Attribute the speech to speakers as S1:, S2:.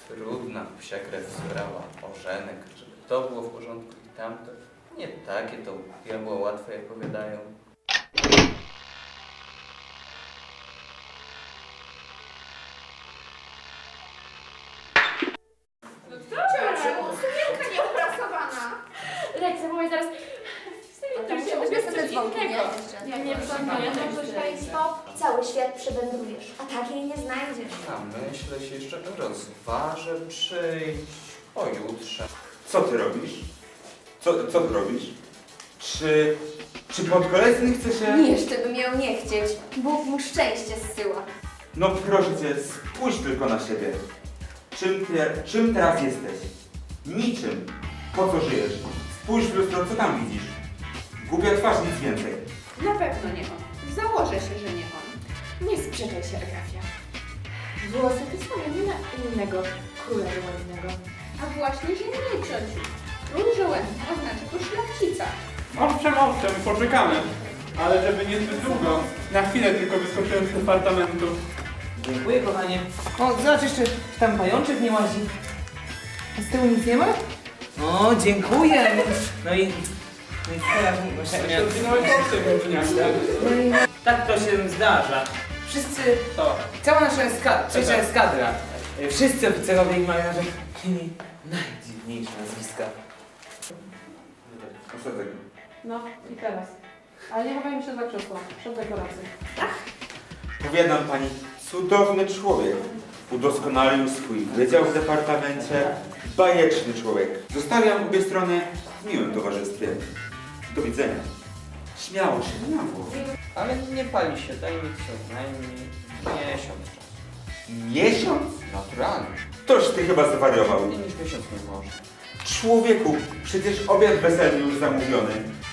S1: Trudna psia krew zbrała, ożenek, żeby to było w porządku i tamto. Nie takie to diabła łatwe, jak powiadają.
S2: Ciociu, sukienka nieuprasowana.
S3: Leć, zawołaj zaraz.
S2: Tam się ubierz sobie dzwonki, nie?
S3: Ja nie planuję.
S2: Cały świat przewędrujesz, a takiej nie znajdziesz.
S1: A myślę się jeszcze rozważę przyjść pojutrze.
S4: Co ty robisz? Co ty robisz? Czy podkolesny chce się...
S2: Jeszcze bym ją nie chcieć. Bóg mu szczęście zsyła.
S4: No proszę cię, spójrz tylko na siebie. Czym teraz jesteś? Niczym. Po co żyjesz? Spójrz w lustro, co tam widzisz? Głupia twarz, nic więcej.
S5: Na pewno nie on. Założę się, że nie on. Nie sprzeczaj się, Agafia.
S3: Włosy te same, nie ma innego króla żołędnego.
S5: A właśnie, że nie, ciociu. Król żołędny oznacza to szlachcica.
S6: Owszem, poczekamy. Ale żeby nie zbyt długo. Na chwilę tylko wyskoczyłem z departamentu.
S7: Dziękuję, kochanie. O, zobacz jeszcze, czy tam pajączek nie łazi. A z tyłu nic nie ma? O, dziękuję. No i teraz właśnie...
S6: Zginąłeś od tego dnia.
S7: Tak to się zdarza. Wszyscy, cała nasza trzecia eskadra, wszyscy oficerowie i marynarze mieli najdziwniejsze nazwiska.
S4: Ostatek.
S3: No i teraz. Ale nie chowajmy się za krzesło. Przed dekoracją.
S4: Powiadam pani, cudowny człowiek. Udoskonalił swój wydział w departamencie. Bajeczny człowiek. Zostawiam obie strony w miłym towarzystwie. Do widzenia. Śmiało, śmiało.
S1: Ale nie pali się, daj mi co najmniej miesiąc czasu.
S4: Miesiąc?
S1: Naturalnie.
S4: Toż ty chyba zwariował.
S1: Mniej niż miesiąc nie można.
S4: Człowieku, przecież obiad weselny już zamówiony.